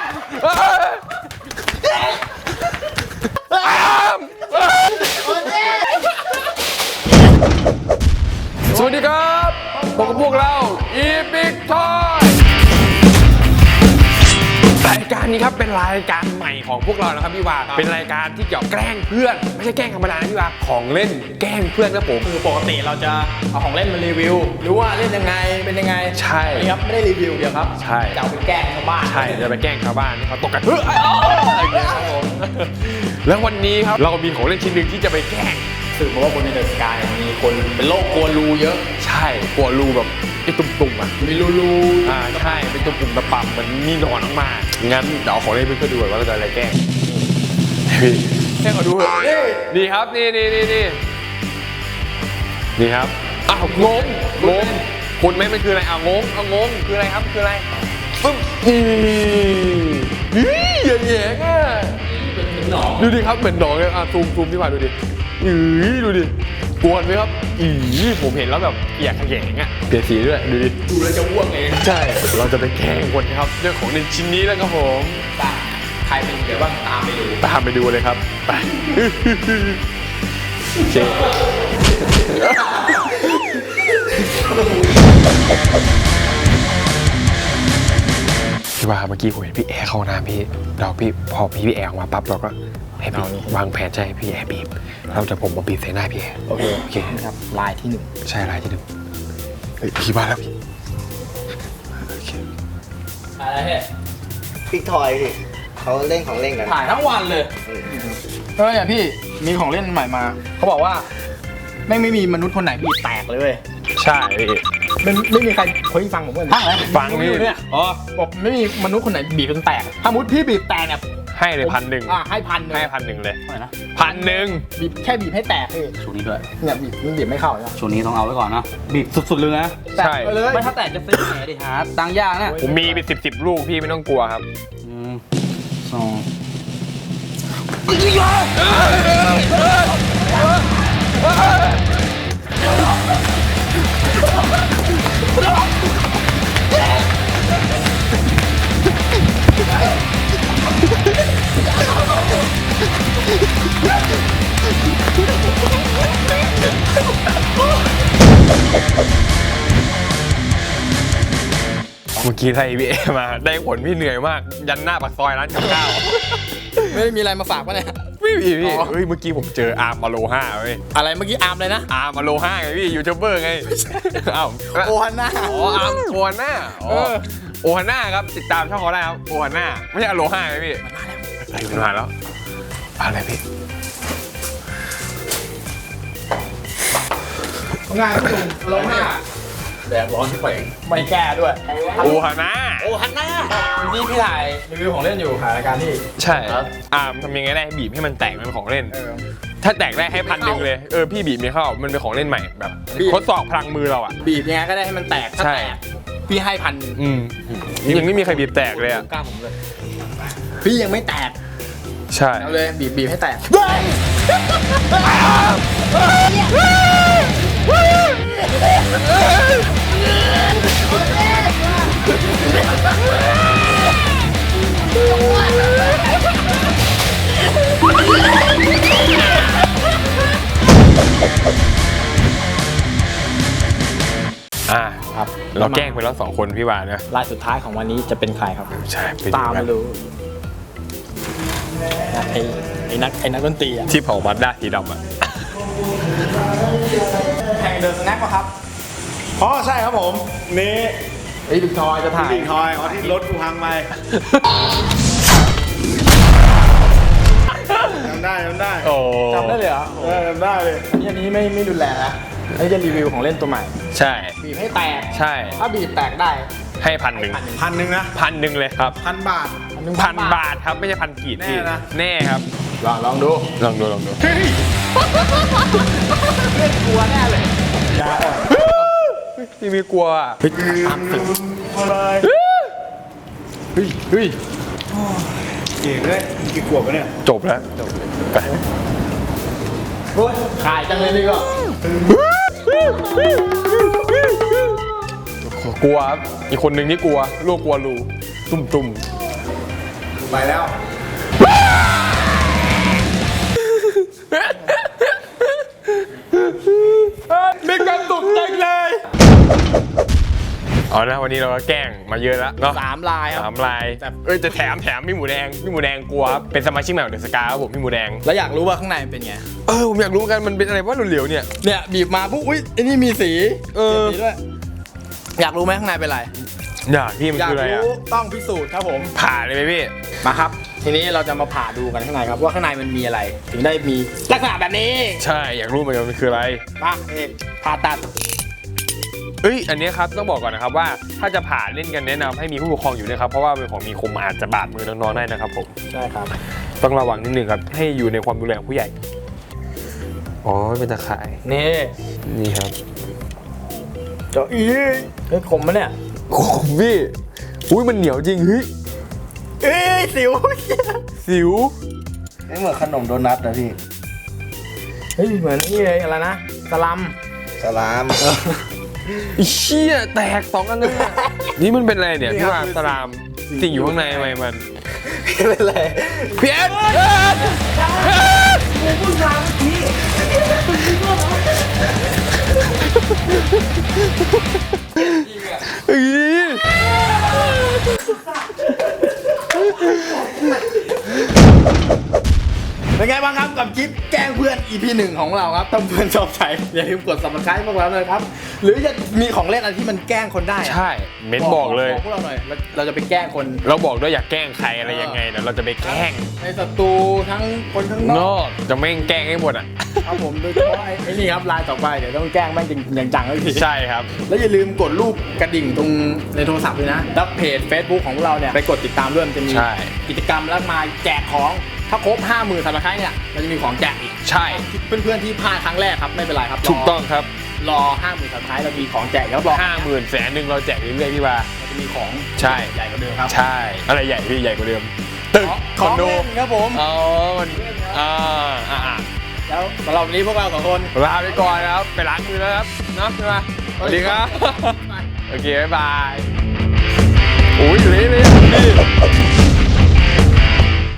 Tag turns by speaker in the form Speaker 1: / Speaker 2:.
Speaker 1: สวัสดีครับพบกับพวกเราอีพิกทอยรายการนี้ครับเป็นรายการใหม่ของพวกเรานะครับพี่วาเป็นรายการที่เกี่ยวกับแกล้งเพื่อนไม่ใช่แกล้งธรรมดานะพี่วาของเล่นแกล้งเพื่อนครับผม
Speaker 2: คือปกติเราจะเอาของเล่นมารีวิวหรือว่าเล่นยังไงเป็นยังไง
Speaker 1: ใช่
Speaker 2: ครับไม่ได้รีวิวเดียวครับ
Speaker 1: ใช่
Speaker 2: จะเอาไปแกล้งชาวบ้าน
Speaker 1: ใช่จะไปแกล้งชาวบ้านที่เขาตกกันแล้ววันนี้ครับเรามีของเล่นชิ้นหนึ่งที่จะไปแกล้ง
Speaker 2: สืบมาว่าบนในเดอะสกายมีคนเป็นโรคกลัวรูเยอะ
Speaker 1: ใช่กลัวรูแบบไอ้ตุ่มๆอ่ะ
Speaker 2: มีรู
Speaker 1: ใช่เป็นตุ่มๆตะปั่มมันมีหนอนออกมางั้นเดี๋ยวเอาของเล่นเพื่อนๆดูว่าเราจะอะไรแกล้งแค่ขอดูนี่ครับนี่ครับอ้าวงงคุณไหมมันคืออะไรงงคืออะไรครับคืออะไรปึ๊บอย่างเงี้ยดูดิครับเหมือนหนองเลยซูมพี่มาดูดิดูดิกวนไหมครับผมเห็นแล้วแบบเปียกขยงเปลี่ยนสีด้วยดูดิ
Speaker 2: ดูแล้วจะอ้วกเอง
Speaker 1: ใช่เราจะไปแกล้งคนครับเรื่องของในชิ้นนี้แล้วครับผม
Speaker 2: ใครเป็นเดี๋ยวบ้างตาม
Speaker 1: ไปดูเลยครับไปเจ๊พี่ว่าเมื่อกี้ผมเห็นพี่แอร์เข้าน้ำพี่พอพี่แอร์ออกมาปั๊บเราก็ให้พี่วางแผนใช่พี่แอร์บีบเราจะผมมาบีบใส่หน้าพี่แอร์
Speaker 2: โอเคครับลายที่1
Speaker 1: ใช่ลายที่1พี่มาแล้วพี่
Speaker 2: อะไรเนี่ย
Speaker 3: พิกทอยดิเขาเล่นของเล่นกัน
Speaker 2: ถ่ายทั้งวันเลยเนี่ยพี่มีของเล่นใหม่มาเขาบอกว่าไม่มีมนุษย์คนไหนบีบแตกเลย
Speaker 1: ใช่
Speaker 2: ไม่มีใครเคยฟังผมเลย
Speaker 1: ฟังนี่
Speaker 2: เนี่ยบอกไม่มีมนุษย์คนไหนบีบจนแตกถ้ามุดพี่บีบแตกเนี่ย
Speaker 1: ให้เลย1,000
Speaker 2: ให้1,000
Speaker 1: เลย1,000
Speaker 2: บีบแค่บีบให้แตกพี่
Speaker 4: ช่วงนี้ด้วย
Speaker 2: เนี่ยบีบไม่เข้าช่
Speaker 4: วงนี้ต้องเอาไว้ก่อนนะบีบสุดๆเลยนะ
Speaker 1: ใช่
Speaker 4: ไม่ถ้าแตกจะซื้อไหนดิฮะตังยากนะ
Speaker 1: ผมมีเป็น10ลูกพี่ไม่ต้องกลัวครับเมื่อกี้ไทยพี่เอมาได้ผลพี่เหนื่อยมากยันหน้าปากซอยร้านกับข้าว
Speaker 2: ไม่มีอะไรมาฝากวะเนี่ย
Speaker 1: พี่เมื่อกี้ผมเจออาร์มมาโล5เว้ย
Speaker 2: อะไรเมื่อกี้อาร์มเลยนะ
Speaker 1: อาร์มมาโล5ไงพี่ยูทูบเบอร์ไง
Speaker 2: โอฮาน่า
Speaker 1: อาร์มโอฮาน่าโอฮาน่าครับติดตามช่องเขาได้ครับโอฮาน่าไม่ใช่อโล5ไงพี่มันมาแล้วอะไรพี่
Speaker 2: งานจุ่มโลห้าแดดร้อนที่ไปไม่แก้ด้วย
Speaker 1: โอฮาน่า
Speaker 2: นี่พี่ถ่ายรีวิวของเล่นอยู่ถ่ายรายการที่
Speaker 1: ใช่ทำยังไงได้บีบให้มันแตกมันของเล่นถ้าแตกได้ให้1,000เลยพี่บีบไม่เข้ามันเป็นของเล่นใหม่แบบทดสอบพลังมือเรา
Speaker 2: บีบยังไงก็ได้ให้มันแตกถ้าแตกพี่ให้1,000
Speaker 1: ยังไม่มีใครบีบแตกเลย
Speaker 2: กล้าผมเลยพี่ยังไม่แตก
Speaker 1: ใช่
Speaker 2: เอาเลยบีบให้แตก
Speaker 1: ครับเราแกล้งไปแล้ว2 คนพี่วานนะ
Speaker 2: รายสุดท้ายของวันนี้จะเป็นใครครับ
Speaker 1: ใช่
Speaker 2: ตามมาดูไอ้นักดนตรี
Speaker 1: ที่เผาบัตรได้สีดำ
Speaker 2: แข่งเดินสแน็คป่ะครับ
Speaker 3: ใช่ครับผมนี่
Speaker 2: ไอ้บิ๊กทอยจะถ่าย
Speaker 3: บิ๊กทอยที่รถกูพังไปจำได้
Speaker 2: จำได้เลยเหรอ
Speaker 3: จำได้เลย
Speaker 2: อันนี้ไม่รุนแรงนะอันนี้จะรีวิวของเล่นตัวใหม่
Speaker 1: ใช่
Speaker 2: บีบให้แตก
Speaker 1: ใช่
Speaker 2: ถ้าบีบแตกได้
Speaker 1: ให้1,000
Speaker 3: 1,000นะ
Speaker 1: 1,000เลยครับ
Speaker 3: 1,000 บาท
Speaker 1: 1,000 บาทครับไม่ใช่1,000 กีบพี่แน่ครับ
Speaker 2: ลองดู
Speaker 1: เล่น
Speaker 2: กลัวแน่เลย
Speaker 1: พี่มีกลัว
Speaker 3: ตามสึก
Speaker 2: เฮ้ย
Speaker 3: เก่งเลยกี่ขวบวะเนี่ย
Speaker 1: จบแล้วไป
Speaker 2: ขายจังเลยดีกว่า
Speaker 1: กลัวอีกคนหนึ่งที่กลัวลูกกลัวรูตุ่ม
Speaker 3: ไปแล้ว
Speaker 1: มีความสุขจังเลยเอานะวันนี้เราก็แกล้งมาเยอะแล้วเนาะ
Speaker 2: 3 ลายครับ
Speaker 1: 3 ลายจะแถมพี่หมูแดงกลัวครับเป็นสมาชิกใหม่ของเดอะสกาครับผมพี่หมูแดง
Speaker 2: แล้วอยากรู้ว่าข้างในมันเป็นไง
Speaker 1: ผมอยากรู้เหมือนกันมันเป็นอะไรว่าเหลวๆเนี่ย
Speaker 2: เนี่ยบีบมาปุ๊บอุ้ยไอ้นี่มีสี
Speaker 1: เออ
Speaker 2: มีสีด้วย อยากรู้ไหมข้างในเป็นอะไร
Speaker 1: อยากพี่มัน
Speaker 2: อยาก
Speaker 1: คืออะไรอ่ะ
Speaker 2: รู้ต้องพิสูจน์ครับผม
Speaker 1: ผ่าเลยไหมพี่
Speaker 2: มาครับ ทีนี้เราจะมาผ่าดูกันข้างในครับว่าข้างในมันมีอะไร ถึงได้มีลักษณะแบบนี้
Speaker 1: ใช่อยากรู้เหมือนกันมันคืออะไร
Speaker 2: มาเอกผ่าตัด
Speaker 1: อันนี้ครับต้องบอกก่อนนะครับว่าถ้าจะผ่าเล่นกันแนะนำให้มีผู้ปกครองอยู่ด้วยครับเพราะว่าเป็นของมีคมอาจจะบาดมือน้องๆได้นะครับผม
Speaker 2: ใช่ครับ
Speaker 1: ต้องระวังนิดนึงครับให้อยู่ในความดูแลของผู้ใหญ่อ๋อเป็นตะข่าย
Speaker 2: นี่
Speaker 1: นี่ครับ
Speaker 2: เจ้าอีเฮ้ยคมมะเนี่ย
Speaker 1: โอ้พี่อุ้ยมันเหนียวจริงเฮ้ย
Speaker 2: เอ้ยสิว
Speaker 1: สิว
Speaker 4: ไม่เหมือนขนมโดนัทนะพี่
Speaker 2: เฮ้ยเหมือนนี่เลยอะไรนะสลัม
Speaker 4: สลาม
Speaker 1: ไอ้เชี่ยแตก2 อันเลยอะนี่มันเป็นอะไรเนี่ยที่ว่าสลามสิ่งอยู่ข้างในทำไมมัน
Speaker 2: เป็นไร
Speaker 1: เพี้ยนเฮ้ย
Speaker 2: เป็นไงบ้างครับกับคลิปแกล้งเพื่อน EP 1 ของเราครับถ้าเพื่อนชอบใจอย่าลืมกด subscribe พวกเราเลยครับ หรือจะมีของเล่นอะไรที่มันแกล้งคนได้อะ
Speaker 1: ใช่เม้นบอกเลย
Speaker 2: พวกเราหน่อยเราจะไปแกล้งคน
Speaker 1: เราบอกด้วยอยากแกล้งใครอะไรยังไงเดี๋ยวเราจะไปแกล้ง
Speaker 2: ในศัตรูทั้งคนข้างน
Speaker 1: น
Speaker 2: อก
Speaker 1: อกจะไม่แกล้งให้หมดอ่ะ
Speaker 2: ครับผมโดยเฉพาะไอ้นี่ครับลายต่อไปเดี๋ยวต้องแกล้งแม่งจริงอย่างจังเลยที
Speaker 1: ใช่ครับ
Speaker 2: แล้วอย่าลืมกดรูปกระดิ่งตรงในโทรศัพท์ด้วยนะแล้วเพจ Facebook ของพวกเราเนี่ยไปกดติดตามด้วยมันจะมี
Speaker 1: ใช่
Speaker 2: กิจกรรมแล้วมาแจกของถ้าครบ 50,000 ซับสไครต์เนี่ยเราจะมีของแจกอีก
Speaker 1: ใช่
Speaker 2: เพื่อนๆที่พลาดครั้งแรกครับไม่เป็นไรครับ
Speaker 1: ถูกต้องครับ
Speaker 2: รอ 50,000 ซับสไครต์เรามีของแจกแล้วรอ
Speaker 1: 50,000 100,000เราแจกเรื่อยๆพี่บา
Speaker 2: เราจะมีของ
Speaker 1: ใช่
Speaker 2: ใหญ่กว่าเดิมครับ
Speaker 1: ใช่อะไรใหญ่พี่ใหญ่กว่าเดิมตึก
Speaker 2: ข
Speaker 1: ค
Speaker 2: อ
Speaker 1: อง นโด
Speaker 2: เล่นครับผม
Speaker 1: อ๋อมันอ่า
Speaker 2: แล้วสำหรับวันนี้พวกเราสองคน
Speaker 1: ลาไปก่อนนะครับไปล้างมือแล้วครับเนาะใช่ไหมสวัสดีครับ โอเคบ๊ายบายโอ้ยเละเลยพี่